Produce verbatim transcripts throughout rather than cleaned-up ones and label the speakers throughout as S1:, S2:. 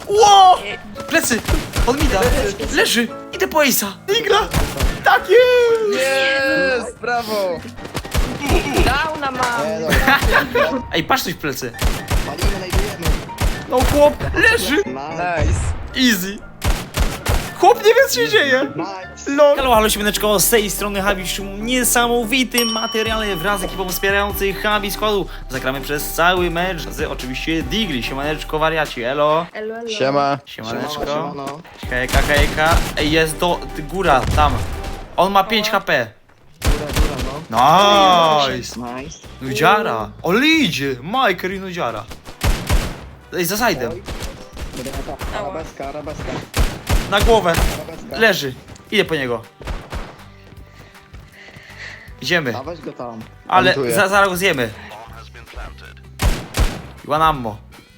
S1: Ło! Plecy! On mi da! Leży! Idę po Ace'a! Digla! Tak jest!
S2: Jest! Brawo!
S3: Dał na mam.
S4: Nie no,
S1: Ej, patrz coś w plecy!
S4: palimy, znajdujemy.
S1: No chłop! Leży!
S4: Nice.
S2: Nice!
S1: Easy! Chłop nie wie co się dzieje!
S4: Nice.
S1: Lol. Halo, halo, siemaneczko, z tej strony Habi w niesamowitym materiale wraz z ekipą wspierających Habi składu. Zagramy przez cały mecz z oczywiście Digli. Siemaneczko, wariaci, elo.
S3: Elo, elo.
S2: Siema.
S1: Siemaneczko.
S4: Siemano.
S1: Hejka, hejka. Ej, jest do... ty, góra, tam. On ma pięć H P.
S4: Góra, góra, no.
S1: Nice.
S4: Nice.
S1: Nudziara. O, idzie. Majker i Nudziara. Ej, za side'em.
S4: Arabeska, arabeska.
S1: Na głowę.
S4: Arabeska.
S1: Leży. Idę po niego. Idziemy.
S4: A weź go tam.
S1: Ale
S2: Montuję.
S1: za, zaraz go zjemy. One ammo.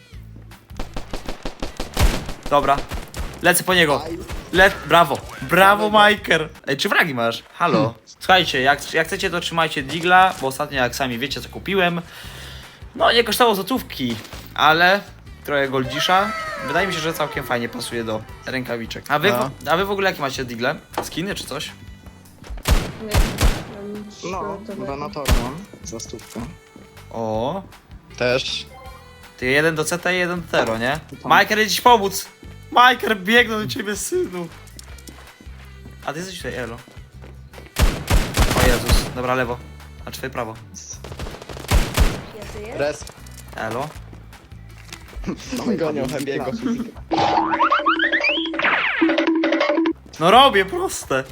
S1: Dobra. Lecę po niego. Le brawo. Brawo, Majker. Ej, czy fragi masz? Halo. Słuchajcie, jak, jak chcecie, to trzymajcie Digla, bo ostatnio, jak sami wiecie, co kupiłem. No, nie kosztowało złotówki, ale trochę goldzisza. Wydaje mi się, że całkiem fajnie pasuje do rękawiczek. A wy,
S2: No.
S1: w, a wy w ogóle jakie macie Digle? Skiny czy coś?
S3: Nie, mam
S4: No,
S3: środowego.
S4: donator mam. Za stówkę.
S1: O.
S2: Też.
S1: Ty jeden do C T i jeden do Tero, nie? Majker, jedzie ci pomóc! Majker, biegnę do ciebie, synu! A ty jesteś tutaj, elo. O Jezus, dobra, lewo. A twoje prawo.
S3: Ja żyję?
S2: Res.
S1: Elo.
S2: Gonią Hebiego.
S1: No robię, proste.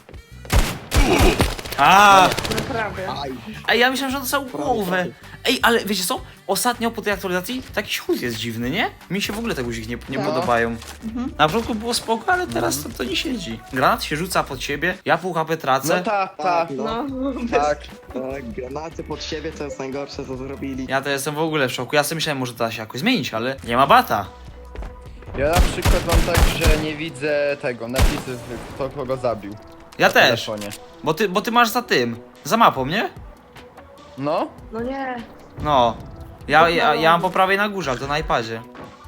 S1: A,
S3: Naprawdę.
S4: Aj.
S1: Ej, ja myślałem, że on dostał głowę. Ej, ale wiecie co? Ostatnio po tej aktualizacji taki śluz jest dziwny, nie? Mi się w ogóle te guziki nie, nie
S3: No.
S1: podobają. Na początku było spoko, ale teraz to, to nie siedzi. Granat się rzuca pod siebie, ja pół H P tracę.
S2: No ta, ta.
S4: Tak, no.
S3: No,
S2: Tak.
S4: Tak, granaty pod siebie, co jest najgorsze, co zrobili.
S1: Ja to jestem w ogóle w szoku. Ja sobie myślałem, może to da się jakoś zmienić, ale nie ma bata.
S2: Ja na przykład mam tak, że nie widzę tego, napisów, kto kogo zabił.
S1: Ja
S2: Na
S1: też.
S2: telefonie.
S1: Bo ty, bo ty masz za tym. Za mapą, nie?
S2: No?
S3: no nie.
S1: No. Ja, ja, ja mam po prawej na górze, ale to na iPadzie.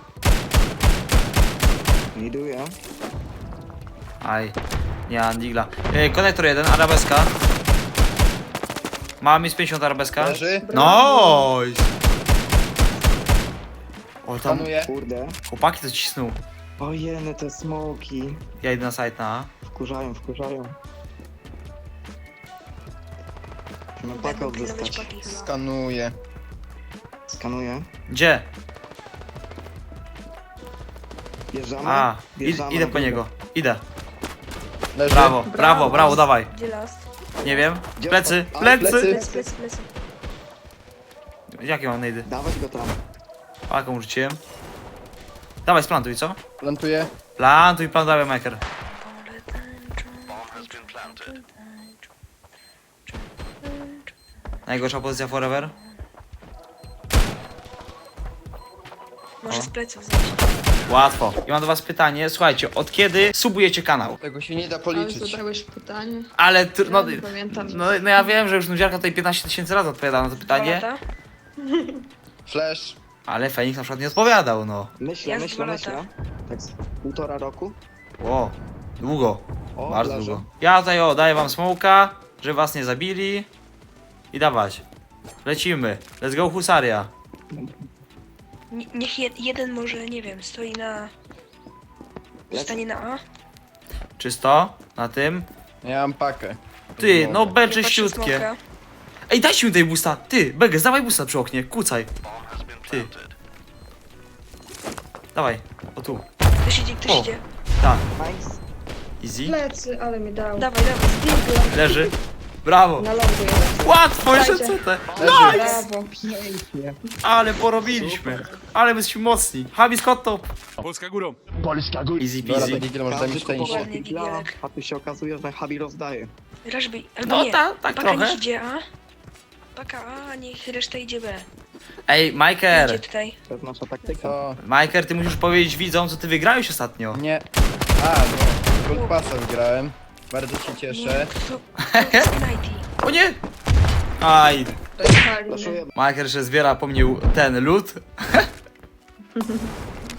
S4: Iduję.
S1: Aj. Nie mam digla. E, konektor jeden, arabeska. Mam mi z pięćdziesiąt arabeska.
S2: Leży.
S1: Nice! O, tam
S2: Skanuję.
S4: Kurde.
S1: chłopaki to cisnął.
S4: Ojeny, te smoki.
S1: Ja idę na site na A.
S4: Wkurzają, wkurzają. No pakę
S3: Będą pilnować
S4: odzyskać.
S3: paki chyba.
S2: Skanuję.
S4: Skanuję.
S1: Gdzie?
S4: Bierzemy.
S1: A, id,
S4: Wjeżdżamy
S1: idę
S4: na
S1: po
S4: górę.
S1: niego. Idę.
S2: Leży.
S1: Brawo, brawo, brawo, dawaj.
S3: Gdzie last?
S1: Nie wiem.
S4: Gdzie
S1: Plecy,
S4: on- a,
S1: plecy.
S2: plecy.
S3: Plecy, plecy, plecy.
S1: Jakie mam nejdy?
S4: Dawać go tam.
S1: Paką rzuciłem. Dawaj, splantuj, co?
S2: Plantuję.
S1: Plantuj, plan, dawaj, Maker. Najgorsza pozycja forever.
S3: Może
S1: O.
S3: z pleców zejść.
S1: Łatwo. I mam do was pytanie, słuchajcie, od kiedy subujecie kanał?
S2: Tego się nie da
S3: Ale
S2: policzyć.
S3: zadałeś pytanie.
S1: Ale, tr- no,
S3: Ja nie pamiętam.
S1: no, no ja wiem, że już Nudziarka tutaj piętnaście tysięcy razy odpowiadała na to pytanie,
S3: Dwa lata?
S2: Flash.
S1: ale Fenix na przykład nie odpowiadał, no.
S4: Myślę,
S3: Ja z
S4: myślę,
S3: dwa
S4: myślę.
S3: lata.
S4: Tak z półtora roku.
S1: O, długo,
S4: O,
S1: bardzo
S4: leży.
S1: długo. Ja tutaj o, daję wam smoka, żeby was nie zabili i dawać. Lecimy, let's go husaria.
S5: Nie- Niech je, jeden może, nie wiem, stoi na...
S4: Lecę.
S5: Stanie na A.
S1: Czysto, na tym.
S2: Ja mam pakę.
S1: Ty, no B
S5: Ja patrzę
S1: czyściutkie.
S5: smoka.
S1: Ej, dajcie mi tej busta, ty, Beges, dawaj busta przy oknie, kucaj. Ty. Dawaj, o tu,
S5: Ktoś idzie, ktoś
S1: O.
S5: idzie.
S1: tak,
S4: Nice.
S1: easy,
S3: Plecy, ale mi dał.
S5: Dawaj, dawaj.
S3: Digla.
S1: leży. Brawo.
S3: Na lądu jeden.
S1: Łatwo, jeszcze
S3: Dajcie.
S1: C T.
S2: Leży.
S3: Brawo.
S4: Pięknie.
S1: Ale porobiliśmy. Ale my jesteśmy mocni. Habi Scott top.
S6: Polska górą.
S1: Easy
S2: Dobra,
S1: peasy.
S2: to Digil może dać mi
S4: Każdy kupował
S2: szczęście.
S5: Ładnie,
S4: Digla,
S5: Digielek.
S4: a tu się okazuje, że Habi rozdaje.
S5: Rażby, albo
S1: No
S5: nie.
S1: ta, tak
S5: Paka
S1: trochę.
S5: niech idzie A. Paka A, niech reszta idzie B.
S1: Ej,
S5: Idzie
S1: Majker.
S5: tutaj.
S4: To jest nasza taktyka.
S2: Co?
S1: Majker, ty musisz powiedzieć widzom, co ty wygrałeś ostatnio.
S2: Nie. A, no. Gold Passa wygrałem. Bardzo się cieszę.
S5: Kto? Kto jest Nighty?
S1: O nie! Aj.
S3: Dojechali mnie.
S4: Flaszuję.
S1: Majker jeszcze zbiera po mnie ten lód.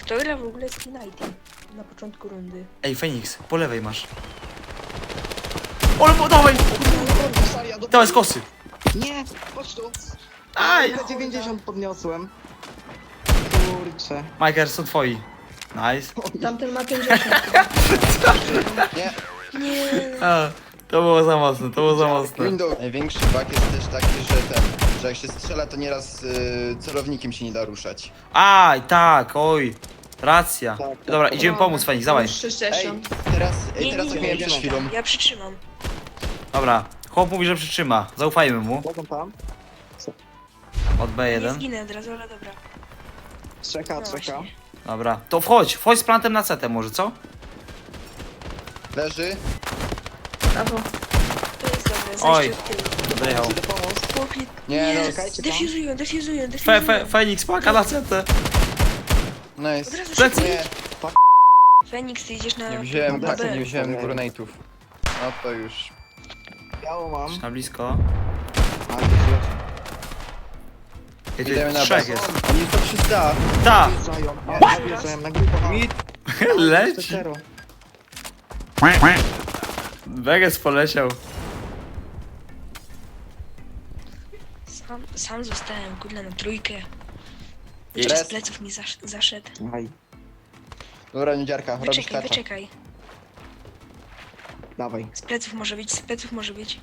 S5: Kto gra w ogóle z Nighty na początku rundy?
S1: Ej, Feniks, po lewej masz. Ole, po, dawaj! Dawaj z kosy.
S4: Nie, chodź tu.
S1: Aj!
S4: P dziewięćdziesiąt podniosłem. Kurczę.
S1: Majker, są twoi. Nice.
S3: Tamten ma pięćdziesiąt.
S2: Nie.
S5: Nie.
S1: A, to było za mocne, to było za mocne.
S2: Window. Największy bug jest też taki, że ten, że jak się strzela, to nieraz y, celownikiem się nie da ruszać.
S1: Aj, tak, oj. Racja.
S4: Tak, tak.
S1: Dobra, idziemy pomóc Feniks, dawaj.
S2: Ej,
S3: sześćdziesiąt.
S2: teraz, ej,
S5: Nie,
S2: teraz
S5: nie,
S2: tak
S5: nie,
S2: miałem
S5: nie,
S2: przed chwilą.
S5: Ja przytrzymam.
S1: Dobra, chłop mówi, że przytrzyma. Zaufajmy mu.
S4: Mogą tam?
S1: Od B
S5: Nie
S1: jeden.
S5: zginę od razu, ale dobra.
S4: Czeka,
S5: No
S4: czeka.
S5: właśnie.
S1: Dobra, to wchodź, wchodź z plantem na C T może, co?
S2: Leży.
S3: Brawo.
S5: To jest dobre,
S1: Oj.
S5: zejście od tyłu.
S1: Dojechał.
S4: Idę pomóc.
S5: Chłopie,
S2: Nie,
S5: nie,
S2: no,
S4: czekajcie tam.
S5: defuzują, defuzują,
S1: Fe,
S5: defuzują.
S1: fe, Feniks, paka na C T.
S2: Nice.
S5: Od razu
S1: Plecy.
S2: Nie,
S5: Feniks, ty idziesz na...
S2: nie wziąłem,
S4: na
S2: tak,
S4: B.
S2: nie wziąłem gurnate'ów. No to już.
S4: Biało mam.
S1: Na blisko.
S4: A, już jest.
S1: Ej, tu
S2: Idziemy na
S1: trzech
S2: B.
S1: jest.
S2: Oni to trzysta.
S1: Ta!
S4: Wjeżdżają, nie, wjeżdżają na grupę.
S2: Mid.
S1: Leci.
S4: Zero.
S1: Vegas poleciał.
S5: Sam, sam zostałem, kurde, na trójkę.
S1: I-
S5: Jeszcze z
S2: Res.
S5: pleców mi zasz, zaszedł.
S4: Aj,
S2: Dobra, niedziarka, robisz
S5: Wyczekaj,
S2: kacza.
S5: wyczekaj.
S4: dawaj.
S5: Z pleców może być, z pleców może być.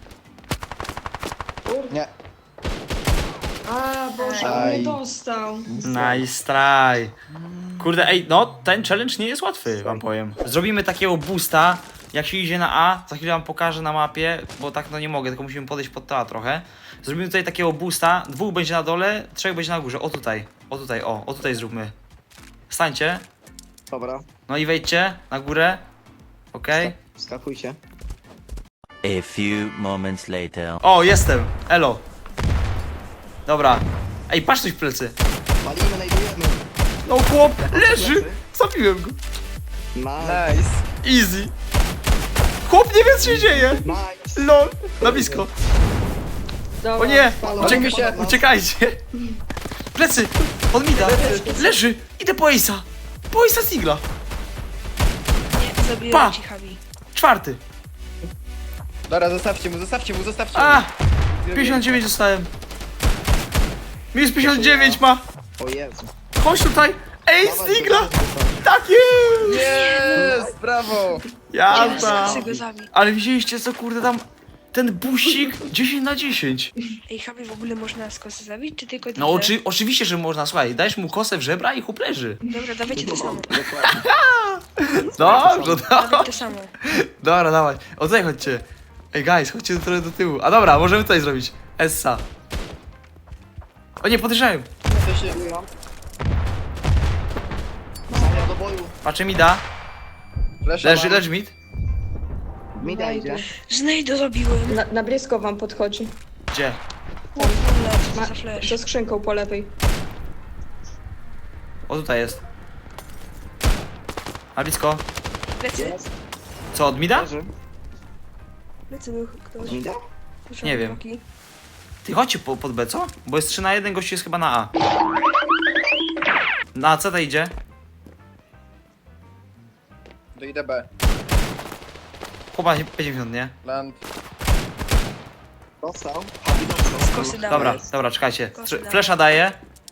S2: Nie.
S3: A, Boże, on
S2: Aj.
S3: nie dostał.
S1: Nice try. Kurde, ej, no ten challenge nie jest łatwy, wam powiem. Zrobimy takiego boosta, jak się idzie na A, za chwilę wam pokażę na mapie, bo tak no nie mogę, tylko musimy podejść pod to A trochę. Zrobimy tutaj takiego boosta, dwóch będzie na dole, trzech będzie na górze, o tutaj, o tutaj, o, o tutaj zróbmy. Stańcie,
S4: Dobra,
S1: no i wejdźcie na górę, okej.
S4: skakujcie.
S6: A few moments later.
S1: O, jestem, elo. Dobra, ej, patrz coś w plecy.
S4: Palimy, znajdujemy.
S1: No chłop, leży, zabiłem go.
S4: Nice.
S2: Nice.
S1: Easy. Chłop nie wie co się dzieje.
S4: Nice.
S1: Lol, na blisko.
S3: Dobra,
S1: O nie,
S3: spalony.
S2: Palimy
S1: uciekaj,
S2: się.
S1: uciekajcie. Plecy, on mi da. Leży, idę po Ace'a. Po Ace'a Sigla.
S5: Nie,
S1: Pa!
S5: zabiłem ci Habi.
S1: Czwarty.
S2: Dobra, zostawcie mu, zostawcie mu, zostawcie
S1: A,
S2: mu.
S1: pięćdziesiąt dziewięć dostałem. Minus pięćdziesiąt dziewięć ma.
S4: O Jezu.
S1: Chodź tutaj. Ace
S4: Dawaj,
S1: Sigla.
S4: dawaj, dawaj.
S1: Tak jest.
S2: Jest, brawo.
S1: Jazda.
S5: Chcę go zabić.
S1: Ale widzieliście co kurde tam, ten busik dziesięć na dziesięć.
S5: Ej, Habi w ogóle można z kosy zabić, czy tylko
S1: No
S5: tyle?
S1: oczy, oczywiście, że można, słuchaj, dajesz mu kosę w żebra i chłop leży.
S5: Dobra, dawajcie to samo.
S4: Dokładnie.
S1: Dobrze,
S5: Dawaj
S1: dobrze.
S5: to samo.
S1: Dobra, dawaj. O tutaj chodźcie. Ej, guys, chodźcie trochę do tyłu. A dobra, możemy tutaj zrobić. Essa. O nie, podejrzają.
S2: To się...
S4: Saria do boju.
S1: Patrzę mi da.
S2: Flasha
S1: Leży,
S2: mam.
S1: leży mid.
S4: Mida idzie.
S5: Znajdę zabiłem.
S3: Na, na blisko wam podchodzi.
S1: Gdzie?
S5: Lecz,
S3: Ma,
S5: za flash.
S3: za skrzynką po lewej.
S1: O tutaj jest. A blisko.
S5: Plecy,
S1: Co, od mida?
S4: Leży.
S5: plecy był ktoś.
S4: Mida?
S5: Słyszałem
S1: Nie wiem.
S5: kroki.
S1: Ty chodźcie po, pod B, co? Bo jest trzy na jeden, gościu jest chyba na A. Na C to idzie.
S2: Do I D B.
S1: Chłopa pięćdziesiąt, nie?
S2: Land.
S4: Dostał. Habi dostał.
S5: Z kosy dałem.
S1: Dobra, dobra, czekajcie.
S5: Kosy
S1: Tr- Flesza daję.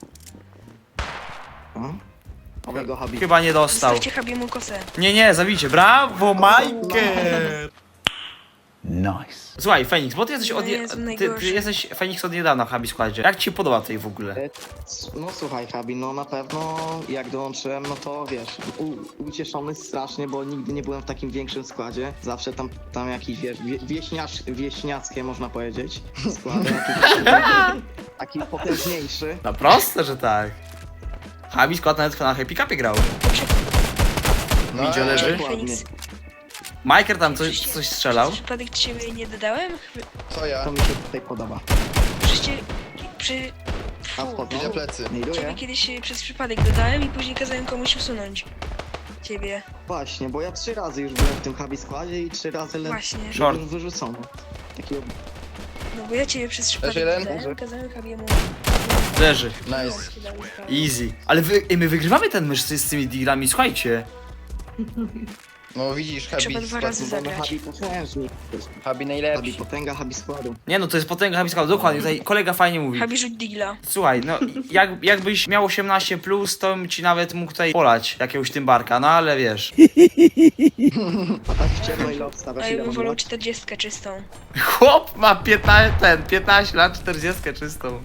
S4: Oby go Habi.
S1: Chyba nie dostał.
S5: Zostawcie Habiemu kosę.
S1: Nie, nie, zabijcie. Brawo, Michael!
S6: Nice.
S1: Słuchaj, Feniks, bo ty jesteś
S5: No
S1: od... je-
S5: Jezu,
S1: ty, ty
S5: najgorszy.
S1: jesteś Feniks od niedawna w Habi składzie. Jak ci się podoba tutaj w ogóle?
S4: E, No słuchaj Habi, no na pewno jak dołączyłem, no to wiesz, u, ucieszony strasznie, bo nigdy nie byłem w takim większym składzie. Zawsze tam, tam jakiś, wiesz, wie, wieśniacz, wieśniackie można powiedzieć, składy, taki, taki potężniejszy.
S1: No proste, że tak. Habi skład nawet na Happy Cupie grał.
S2: No,
S1: Widział,
S2: ej,
S1: leży?
S4: Dokładnie.
S5: Feniks.
S1: Michael tam coś, coś strzelał.
S5: Przez przypadek ciebie nie dodałem?
S2: Co ja?
S4: To mi się tutaj podoba.
S5: Przecież przy...
S4: A
S5: Fu,
S4: wchodzą?
S2: Idę plecy.
S5: ciebie
S4: Znajduję.
S5: kiedyś przez przypadek dodałem i później kazałem komuś usunąć. Ciebie.
S4: Właśnie, bo ja trzy razy już byłem w tym Habi składzie i trzy razy le-
S5: Właśnie.
S1: Short.
S4: byłem wyrzucony. Takiego
S5: No bo ja ciebie przez przypadek
S2: jeden?
S5: dodałem, kazałem Habiemu
S1: Leży.
S2: Nice.
S1: Easy. Ale wy, ej, my wygrywamy ten mecz z, z tymi dealami, słuchajcie.
S2: No widzisz,
S5: Trzeba
S2: Habi,
S5: dwa razy
S4: Mamy
S5: zagrać.
S4: Habi potężnik.
S2: Habi
S4: Habi
S2: najlepszy.
S4: potęga, Habi składu.
S1: Nie no, to jest potęga Habiska, dokładnie, tutaj kolega fajnie mówi.
S5: Habi rzuć digla.
S1: Słuchaj, no jak, jakbyś miał osiemnaście plus, to bym ci nawet mógł tutaj polać jakiegoś Tymbarka, no ale wiesz.
S4: A tak w ciemno ile obstawiasz?
S5: A ja
S4: Ile
S5: bym
S4: mam
S5: wolał
S4: lat?
S5: czterdziestkę czystą.
S1: Chłop ma piętnaście, ten, piętnaście lat, czterdzieści czystą.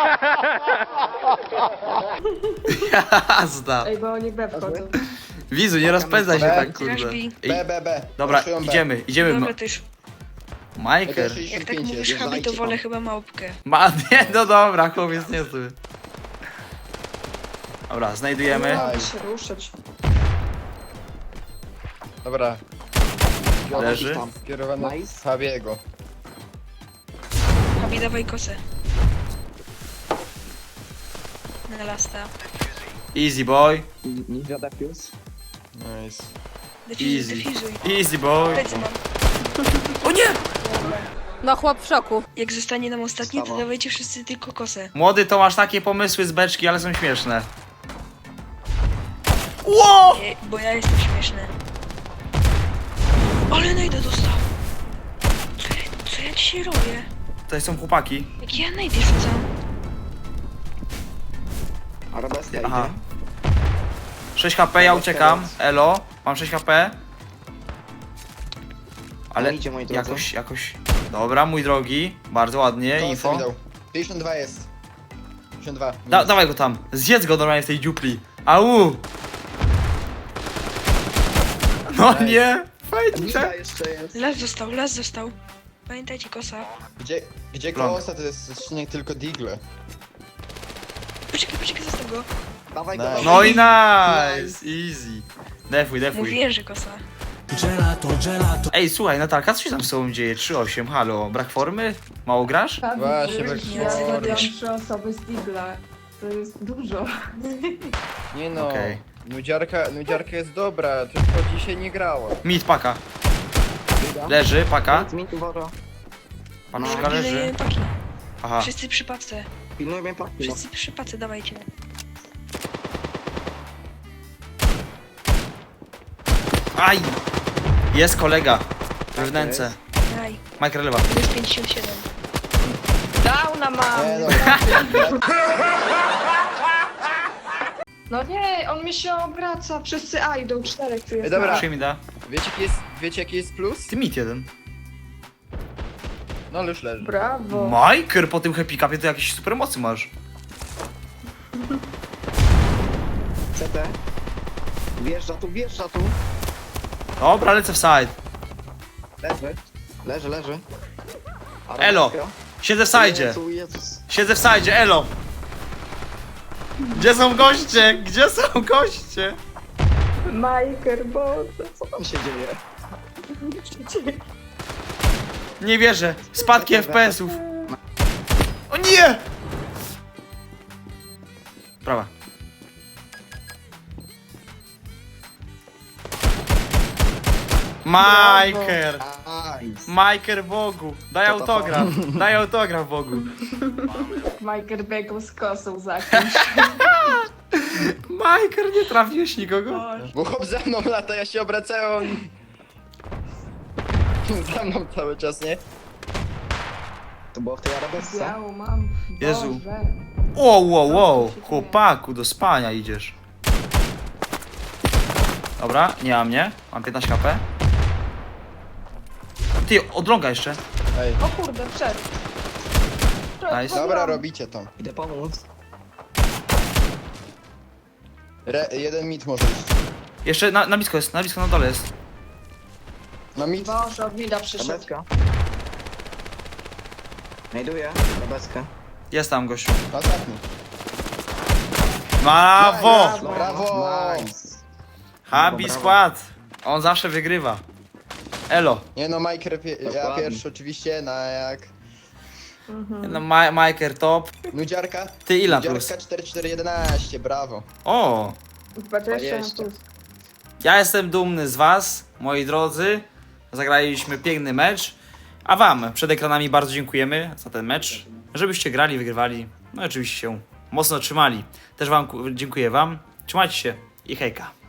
S1: Jazda.
S3: Ej, bo oni B wchodzą.
S1: Wizu, nie rozpędzaj się
S2: B.
S1: tak, kurde.
S5: Grasz B.
S1: Ej,
S2: B, B, B.
S1: dobra,
S2: Raszują B.
S1: idziemy, idziemy.
S5: Dobra,
S1: Ma
S5: to już.
S1: Majker.
S2: Jak
S5: Jak tak
S2: sześćdziesiąt pięć
S5: mówisz
S2: jest.
S5: Habi, to
S4: Jeżdżajcie
S5: wolę
S4: tam.
S5: chyba małpkę.
S1: Ma, nie, no dobra, chłopiec nie zły. Dobra, znajdujemy.
S3: Nie mogę się ruszyć.
S2: Dobra,
S1: Leży.
S4: Tam.
S2: kierowane
S4: Nice.
S2: z Habiego.
S5: Habi, dawaj kosę. Na lasta.
S1: Easy boy.
S4: Ninja defuse.
S2: Nice.
S5: Defizuj,
S1: Easy.
S5: defizuj.
S1: Easy boy.
S5: Plecy mam.
S1: O nie!
S7: No chłop w szoku.
S5: Jak zostanie nam ostatni, to
S4: Stawa.
S5: dawajcie wszyscy tylko kosę.
S1: Młody to masz takie pomysły z beczki, ale są śmieszne. Ło!
S5: Nie, bo ja jestem śmieszny. Ale najdę dostał. Co ja, co ja dzisiaj robię?
S1: To są chłopaki.
S5: Jak ja najdę rzucam?
S4: Arabeska
S1: Aha.
S4: idzie.
S1: sześć HP, ja uciekam. Elo, mam sześć HP. Ale
S4: No idzie, moi drodzy.
S1: jakoś, jakoś... Dobra, mój drogi. Bardzo ładnie,
S2: Kosę
S1: info.
S2: mi dał. pięćdziesiąt dwa jest. pięćdziesiąt dwa.
S1: Da, dawaj go tam. Zjedz go normalnie w tej dziupli. Au! No
S2: Nice.
S1: nie! Fajnie,
S4: Ninja jeszcze jest.
S5: Las został, las został. Pamiętajcie kosa.
S2: Gdzie, gdzie
S1: Long.
S2: kosa to jest odcinek tylko Digle.
S5: Poczekaj, poczekaj, zostaw go.
S4: Dawaj go,
S2: Nice.
S4: dawaj.
S1: No i nice! Easy. Defuj, defuj.
S5: Mówiłem, że kosa.
S1: Ej, słuchaj, Natalka, co się tam z tobą dzieje? trzy osiem, halo. Brak formy? Mało grasz?
S2: Właśnie, brak
S3: Ja
S2: formy.
S3: mam trzy osoby z Digla. To jest dużo.
S2: Nie no,
S1: Okej.
S2: nudziarka, nudziarka jest dobra, tylko dzisiaj nie grała.
S1: Mid, paka. Leży, paka.
S4: Mi tu woro.
S1: Paczka leży.
S5: Pilnujemy paki.
S1: Aha.
S5: Wszyscy przy pace.
S4: Pilnuj mnie paki.
S5: Wszyscy przy pace, dawajcie.
S1: Aj! Jest kolega. We wnęce.
S5: Daj.
S1: Mike lewa.
S5: To jest pięćdziesiąt siedem.
S3: Downa mam!
S2: Nie no,
S3: No nie, on mi się obraca. Wszyscy A idą, czterech tu jest.
S2: Ej, dobra.
S1: Proszę mi da.
S2: wiecie jaki jest, wiecie jaki jest plus?
S1: Ty mid jeden.
S2: No ale już leży.
S3: Brawo.
S1: Majker po tym happy capie to jakieś super mocy masz.
S4: C T. Wjeżdża tu, wjeżdża tu.
S1: Dobra, lecę w side.
S4: Leży. Leży, leży.
S1: Elo.
S4: Arabeska.
S1: Siedzę w side.
S4: Jezu, Jezus.
S1: Siedzę w side, elo. Gdzie są goście? Gdzie są goście?
S3: Majker, Boże.
S4: Co tam się dzieje?
S1: Nie wierzę. Spadki F P S-ów. O nie! Prawa. Majker!
S4: Nice.
S1: Majker Bogu! Daj
S4: To to
S1: autograf! Daj autograf Bogu!
S3: Majker biegł z kosą za kimś.
S1: Majker, nie trafiłeś nikogo?
S2: Bo chłop za mną lata, ja się obracałem. Za mną cały czas, nie?
S4: To było w tej arabesce?
S3: Białą mam.
S1: Jezu.
S3: Boże.
S1: Wow, wow, wow! Chłopaku, do spania idziesz. Dobra, nie ma mnie. Mam piętnaście H P. Ty, odląga jeszcze.
S2: Ej,
S3: O kurde, wszedł.
S1: Nice.
S2: dobra, robicie to.
S4: Idę pomóc.
S2: Re, jeden mit może iść.
S1: Jeszcze na, na blisko jest, na blisko na dole jest.
S2: No mit.
S3: Boże, od Mida przyszedł.
S4: Arabeska. Znajduję arabeskę.
S1: Jest tam gościu.
S2: Ostatni.
S1: Brawo!
S2: Nice. Brawo!
S4: Nice.
S1: Habi
S4: Brawo.
S1: skład. On zawsze wygrywa. Elo.
S2: Nie no, Mike, pie, ja
S4: Dokładnie.
S2: pierwszy oczywiście, na jak...
S1: No, Ma Majker top.
S2: Nudziarka?
S1: Ty ile
S2: Nudziarka
S1: plus?
S2: cztery cztery jedenaście, brawo.
S1: O!
S3: dwadzieścia na
S4: dwadzieścia.
S3: plus.
S1: Ja jestem dumny z was, moi drodzy. Zagraliśmy piękny mecz. A wam przed ekranami bardzo dziękujemy za ten mecz. Żebyście grali, wygrywali. No i oczywiście się mocno trzymali. Też wam ku- dziękuję wam. Trzymajcie się i hejka.